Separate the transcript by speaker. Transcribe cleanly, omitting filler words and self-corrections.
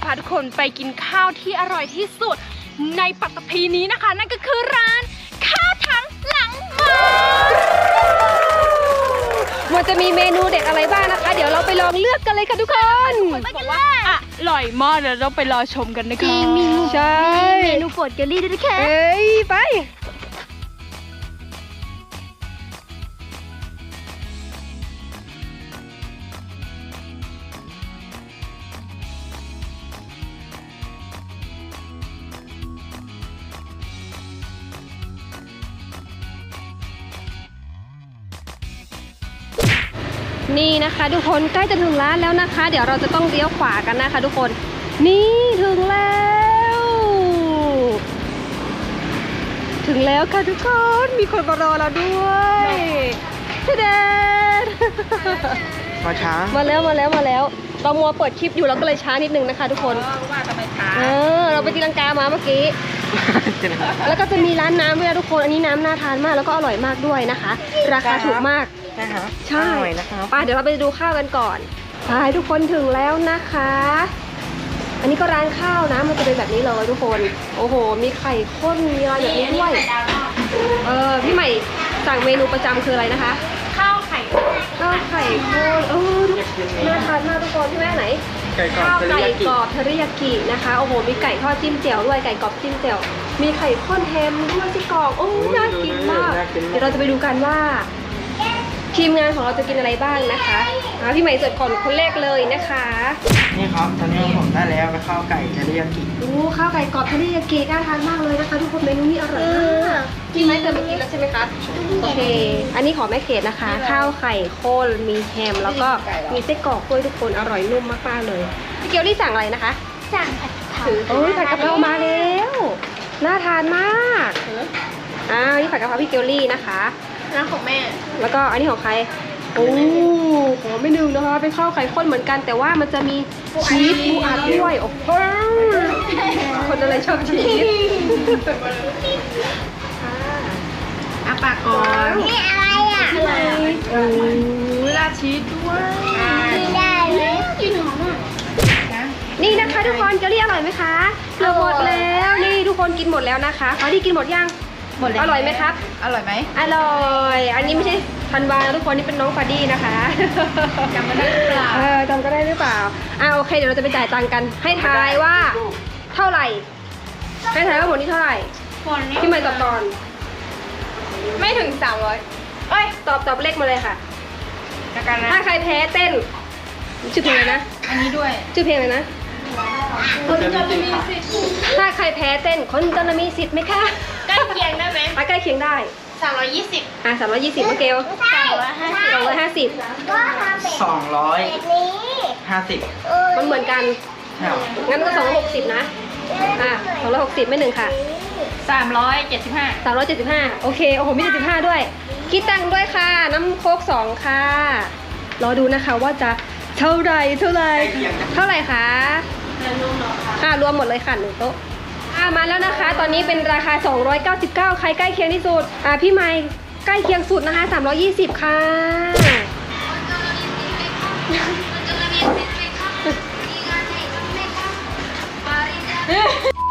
Speaker 1: พาทุกคนไปกินข้าวที่อร่อยที่สุดในปัตตภีนี้นะคะนั่นก็คือร้านข้าวถังหลังมันจะมีเมนูเด็ดอะไรบ้างนะคะเดี๋ยวเราไปลองเลือกกันเลยค่ะทุกคนบอกว่าอร่อยมากเดี๋ยวเราไปรอชมกันนะคะใช่
Speaker 2: เมนูโปรดเกลลี่ด้วยนะคะ
Speaker 1: เอ้ยไปนี่นะคะทุกคนใกล้จะถึงร้านแล้วนะคะ เดี๋ยวเราจะต้องเลี้ยวขวากันนะคะทุกคนนี่ถึงแล้วค่ะทุกคนมีคนมารอเราด้วยเด็ด
Speaker 3: มาช้า
Speaker 1: มาแล้วเรามัวเปิดคลิปอยู่เราก็เลยช้านิดนึงนะคะทุกคน
Speaker 2: ว่าทำไมช้า
Speaker 1: เราไปตีลังกามาเมื่อกี้แล้วก็จะมีร้านน้ำด้วยนะทุกคนอันนี้น้ำน่าทานมากแล้วก็อร่อยมากด้วยนะคะราคาถูกมากใช่ไปเดี๋ยวเราไปดูข้าวกันก่อนไปทุกคนถึงแล้วนะคะอันนี้ก็ร้านข้าวนะมันจะเป็นแบบนี้เลยทุกคนโอ้โหมีไข่ข้นมีอะไรแบบนี้ด้วยพี่ใหม่สั่งเมนูประจำคืออะไรนะคะข้าวไข่ข้นน่าทานมากทุกคนพี่แม่ไหนข้าวไก่กรอบเทริยากินะคะโอ้โหมีไก่ทอดจิ้มแจ่วด้วยไก่กรอบจิ้มแจ่วมีไข่ข้นแฮมด้วยที่กรอบโอ้น่ากินมากเดี๋ยวเราจะไปดูกันว่าทีมงานของเราจะกินอะไรบ้างนะคะพี่ใหม่เสิร์ฟก่อนคนแรกเลยนะคะ
Speaker 3: นี่ครับตอนนี้ผมได้แล้วข้าวไก่เทริยากิ
Speaker 1: ข้าวไก่กรอบเทริยากิน่าทานมากเลยนะคะทุกคนเมนูนี้อร่อยมากพี่ไม้เคยมากินแล้วใช่ไหมคะโอเคอันนี้ของแม่เกดนะคะข้าวไข่ข้นมีแฮมแล้วก็มีไส้กรอกด้วยทุกคนอร่อยนุ่มมากๆเลยพี่เกียวนี่สั่งอะไรนะคะ
Speaker 2: สั่งผัดกะเพรา
Speaker 1: ผัดกะเพรามาแล้วน่าทานมากนี่ผัดกะเพราพี่เกียวลี่นะคะ
Speaker 2: ร้านของแม่
Speaker 1: แล้วก็อันนี้ของใครของไม่นึงนะคะเป็นข้าวไข่ข้นเหมือนกันแต่ว่ามันจะมีชีสปูอัดด้วยโอ้โหคนอะไรชอบชีส
Speaker 2: ปากก่อนนี่อะไรราดชีสด้วยกินได้ไหมกินหอม
Speaker 1: นี่นะคะทุกคนเกลลี่อร่อยไหมคะหมดแล้วนี่ทุกคนกินหมดแล้วนะคะเขาที่กินหมดยัง
Speaker 2: หมดแล้ว
Speaker 1: อร่อยไหมครับ
Speaker 2: อร่อยไหม
Speaker 1: อร่อยอันนี้ไม่ใช่ธันวาทุกคนนี่เป็นน้องฟาดี้นะคะ
Speaker 2: จำกันได้หรือเปล่า
Speaker 1: จำก็ได้หรือเปล่าโอเคเดี๋ยวเราจะไปจ่ายตังค์กันให้ทายว่าเท่าไหร่ให้ทายว่าหมดนี้เท่าไหร่พี่ใหม่ตอบก่อนไม่ถึง300ตอบเลขมาเลยค่ะถ้าใครแพ้เต้นชื่อเพลงอะไรนะ
Speaker 2: อันนี้ด้วย
Speaker 1: ชื่อเพลงอะไรนะคนจะมีสิทธิ์ถ้าใครแพ้เต้นคนจะมีสิทธิ์ไหมคะ
Speaker 2: ใกล้เคียงได้ไหม
Speaker 1: ใกล้เคียงได้
Speaker 2: 320
Speaker 1: 320เมื่อกี้250มันเหมือนกันงั้นก็260นะ260ไม่หนึ่งค่ะ375โอเคโอ้โหมี75ด้วยคิดตังค์ด้วยค่ะน้ำโค้ก2ค่ะรอดูนะคะว่าจะเท่าไหร่คะค่ะรวมหมดเลยค่ะ1โต๊ะมาแล้วนะคะตอนนี้เป็นราคา299ใครใกล้เคียงที่สุดพี่ไมค์ใกล้เคียงสุดนะคะ320ค่ะ